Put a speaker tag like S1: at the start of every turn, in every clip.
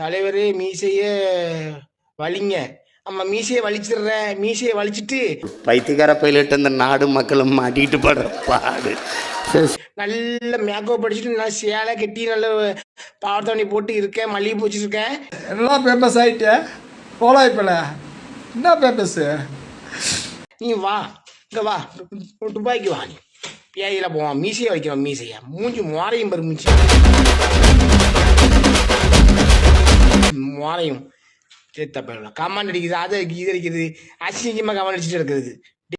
S1: தலைவரே மீசைய வலிங்க. ஆமா, மீசையை வலிச்சிடுறேன். மீசையை வலிச்சிட்டு
S2: பைத்தியக்கார பைலட் அந்த நாடு மக்களும் மாட்டிக்கிட்டு படுற பாடு.
S1: நல்ல மேக்கப் படிச்சுட்டு நல்லா சேலை கட்டி நல்ல பாவத்தவணி போட்டு இருக்கேன், மல்லிகை பூச்சிட்டு இருக்கேன்.
S3: எல்லாம் ஃபேமஸ் ஆகிட்டேன். போலாய்ப்பில் என்ன ஃபேமஸ்?
S1: நீ வா, இங்கே வா, துபாய்க்கு வா. நீ பேயில போவான், மீசையை வைக்கிறோம். மீசையா மூஞ்சி மோரையும் பெரு மூஞ்சி மோரையும் சேர்த்த கமாண்ட் அடிக்குது, அதை இது அடிக்கிறது, அசிங்கமாக கமாண்ட் அடிச்சுட்டு இருக்கிறது.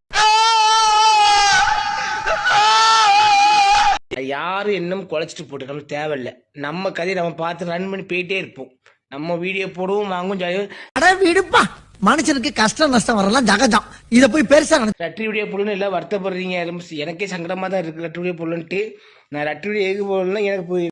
S1: யாரும் இன்னும் குலைச்சிட்டு போட்டுக்கணும் தேவையில்லை. நம்ம கதையை நம்ம பார்த்து ரன் பண்ணி போயிட்டே இருப்போம். நம்ம வீடியோ போடுவோம், வாங்கும் ஜாலியாக
S4: வீடுப்பா. மனுஷனுக்கு கஷ்டம் நஷ்டம் வரலாம் ஜகஜம். இதை போய் பெருசா
S1: ரட்டி வீடியோ போடணும் எல்லாம் வருத்தப்படுறீங்க. எனக்கே சங்கடமா தான் இருக்கு ரட்டி வீடியோ போடலன்ட்டு. நான் ரட்டி வீடியோ எதுக்கு போடலாம்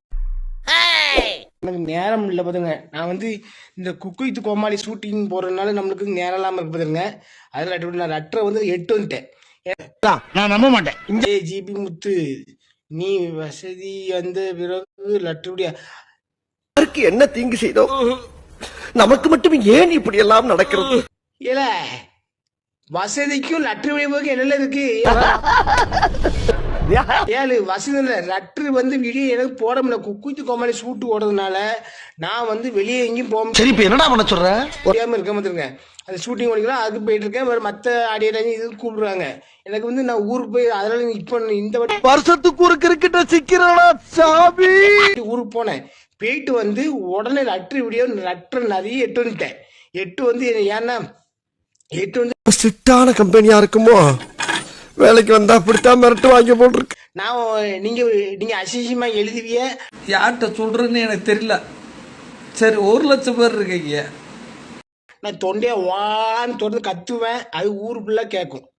S1: எனக்கு நேரம் இல்லை பார்த்துங்க. நான் வந்து இந்த குக்கு வித் கோமாளி ஷூட்டிங் போடுறதுனால நம்மளுக்கு நேரம் இல்லாமல் இருக்கு பார்த்துங்க. அதில் ரட்டி வீடியோ நான் ரட்டரை வந்து 8 வந்துட்டேன்.
S2: நான் நம்ப மாட்டேன்.
S1: இந்த ஜிபி முத்து நீ வசதி வந்த பிறகு லட்டு வீடியோ
S4: என்ன தீங்கு செய்தோம்? நமக்கு மட்டும் ஏன் இப்படி எல்லாம் நடக்கிறது?
S1: இல்ல வசதிக்கும் லட்டு வீடியோக்கு என்ன இருக்கு? ஏழு வசதி இல்லை. லட்டு வந்து வீடியோ எனக்கு போட முடியல. குக்குத்து கோமாளி ஷூட்டு ஓடுறதுனால நான் வந்து வெளியே எங்கேயும் போக
S4: சரி, இப்ப என்னடா பண்ண சொல்ற?
S1: முடியாம இருக்க மாத்திருங்க. அது ஷூட்டிங் ஓடிக்கலாம், அதுக்கு போயிட்டு இருக்கேன். மற்ற ஆடியோ இது கூப்பிடுறாங்க. எனக்கு வந்து நான் ஊருக்கு போய் அதனால இப்போ இந்த
S4: வருஷத்துக்கு ஒரு கிரிக்கெட்ட சிக்கிறா சாமி.
S1: ஊருக்கு போனேன். போயிட்டு வந்து உடனே லட்டு வீடியோ லட்டு நிறைய 8 வந்துட்டேன். 8 வந்து ஏன்னா 8 வந்து
S4: ஸ்ட்ரிக்டான கம்பெனியா இருக்குமோ? வேலைக்கு வந்தா அப்படித்தான் மிரட்டு வாங்கி போட்டுருக்கு.
S1: நான் நீங்க அசிங்கமா எழுதுவிய.
S3: யார்கிட்ட சொல்றேன்னு எனக்கு தெரியல. சரி, 1 லட்சம் பேர் இருக்கீங்க.
S1: நான் தொண்டையை வான்னு தொடர்ந்து கத்துவேன். அது ஊர் ஃபுல்லாக கேட்கும்.